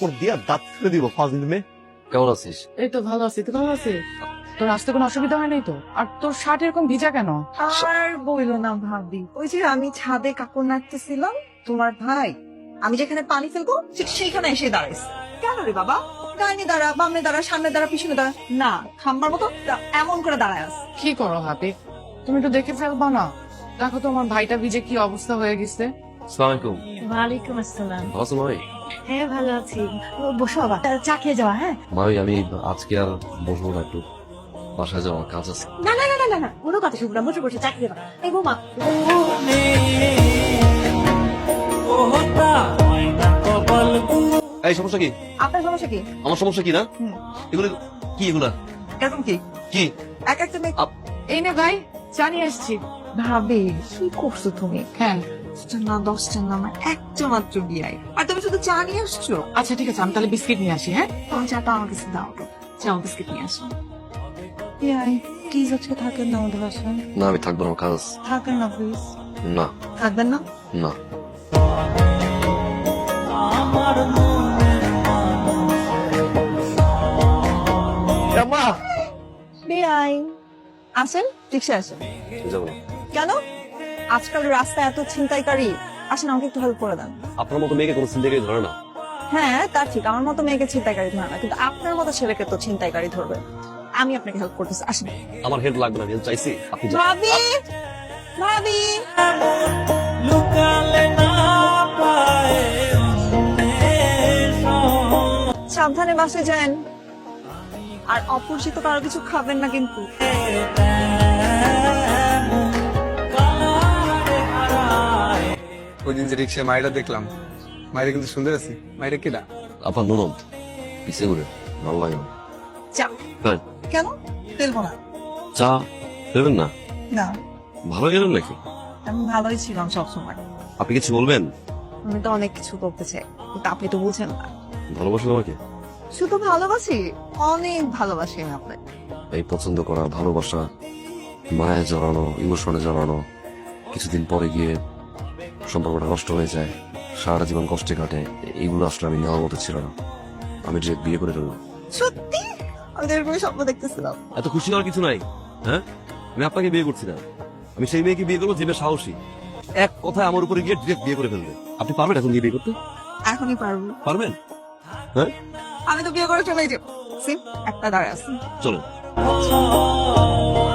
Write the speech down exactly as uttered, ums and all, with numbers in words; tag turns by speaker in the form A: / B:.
A: থাপ্পড় দিয়া দাঁত ফেলে দিব ফাজিল মেয়ে।
B: কেমন আছিস?
C: এই তো ভালো আছি, তুই ভালো আছিস? তোর আসতে কোনো অসুবিধা হয় নাই তো? আর তোর শার্ট এরকম ভিজা কেন?
D: আর বইলো না ভাবি, ওই যে আমি ছাদে কাপড় নাড়তেছিলাম, তোমার ভাই আমি যেখানে পানি ফেলবো ঠিক সেইখানে এসে দাঁড়াইছে। কেন রে বাবা? ডাইনে দাঁড়া, বামে দাঁড়া, সামনে দাঁড়া, পিছনে দাঁড়া, না খাম্বার মতো এমন করে দাঁড়ায় আছে।
C: কি করো হাবি, তুমি একটু দেখে ফেলবা না? দেখো তো আমার ভাইটা ভিজে কি অবস্থা হয়ে গেছে।
B: আসসালামু আলাইকুম।
E: ওয়ালাইকুম আসসালাম।
B: ভালো আছো মামি?
E: হ্যাঁ ভালো আছি। ও, বসো বাবা, চা খেয়ে যাওয়া। হ্যাঁ
B: মামি আমি আজকে আর বসবো না, একটু বাসায় যাওয়ার কাজ আছে।
E: না না না না না না কোনো কথা শুনবো না, বসে বসে চা খেয়ে যাওয়া। এই বৌমা,
B: এই সমস্যা কি?
D: আপনার সমস্যা কি?
B: আমার সমস্যা কি না?
D: হুম।
B: এগুলো কি? এগুলা
D: এরকম কি
B: কি?
D: এক একটা মেয়ে।
C: এই নে ভাই, চা নিয়ে আসছি।
D: ভাবি কি করছো তুমি?
C: হ্যাঁ
D: দশটা না দশটা না আমার একটা মাত্র বিয়াই, আর তুমি শুধু চা নিয়ে আসছো।
C: আচ্ছা ঠিক আছে, আমি তাহলে বিস্কিট নিয়ে আসি। হ্যাঁ
D: তোমার চাটা আমার কাছে দাও তো, চাও বিস্কিট নিয়ে আসো। বিয়াই প্লিজ আজকে থাকেন না আমাদের বাসায়,
B: না আমি থাকবো না, আমার কাজ আছে।
D: থাকেন না প্লিজ।
B: না
D: থাকবেন না?
B: না
A: মা
D: বিয়াই আসেন, রিক্সা আসেন।
B: যাবো না।
D: কেন? আজকাল রাস্তায় এত ছিনতাইকারী, আসেন আমাকে একটু হেল্প করে দেন।
B: আপনার মতো মেয়েকে কোনো চিন্তা করে ধরে না।
D: হ্যাঁ তা ঠিক, আমার মতো মেয়েকে ছিনতাইকারী ধরে না, কিন্তু আপনার মতো ছেলেকে তো ছিনতাইকারী ধরবে। আমি আপনাকে হেল্প করতেছি, আসেন।
B: আমার হেল্প লাগবে না, আমি help চাইছি, আপনি যান।
D: ভাবি ভাবি সাবধানে বাসে যান, আর অপরিচিত কারো কিছু খাবেন না কিন্তু।
F: ওই দিন যে রিক্সায় মায়েরা দেখলাম, মায়েরা কিন্তু সুন্দর আছে। মায়েরা কেডা?
B: আপনার ননদ পিছিয়ে ঘুরে ভালো লাগে না।
D: চা
B: তাই
D: কেন ফেলবো না?
B: চা দেবেন না?
D: না
B: ভালো গেলেন নাকি?
D: আমি ভালোই ছিলাম সবসময়।
B: আপনি কিছু বলবেন?
D: আমি তো অনেক কিছু করতে চাই, কিন্তু আপনি তো বুঝেন না।
B: ভালোবাসেন আমাকে?
D: শুধু ভালোবাসি, অনেক ভালোবাসি আমি আপনাকে।
B: এই পছন্দ করা, ভালোবাসা, মায়া জড়ানো, ইমোশনে জড়ানো, কিছুদিন পরে গিয়ে সম্পর্কটা নষ্ট হয়ে যায়, সারা জীবন কষ্টে কাটে, এইগুলো আসলে আমি নেওয়ার মতো ছিল না। আমি যে বিয়ে করে ফেললাম।
D: সত্যি আমি তো এরকমই স্বপ্ন দেখতেছিলাম।
B: এত খুশি হওয়ার কিছু নাই। হ্যাঁ, আমি আপনাকে বিয়ে করছি না, আমি সেই মেয়েকে বিয়ে করবো যে মেয়ে সাহসী, এক কথায় আমার উপরে গিয়ে ডিরেক্ট বিয়ে করে ফেলবে। আপনি পারবেন এখন গিয়ে বিয়ে করতে?
D: এখনই পারবো।
B: পারবেন? হ্যাঁ
D: আমি তো বিয়ে করে চলে যাবো। একটা দাঁড়ায় আছে।
B: চলো।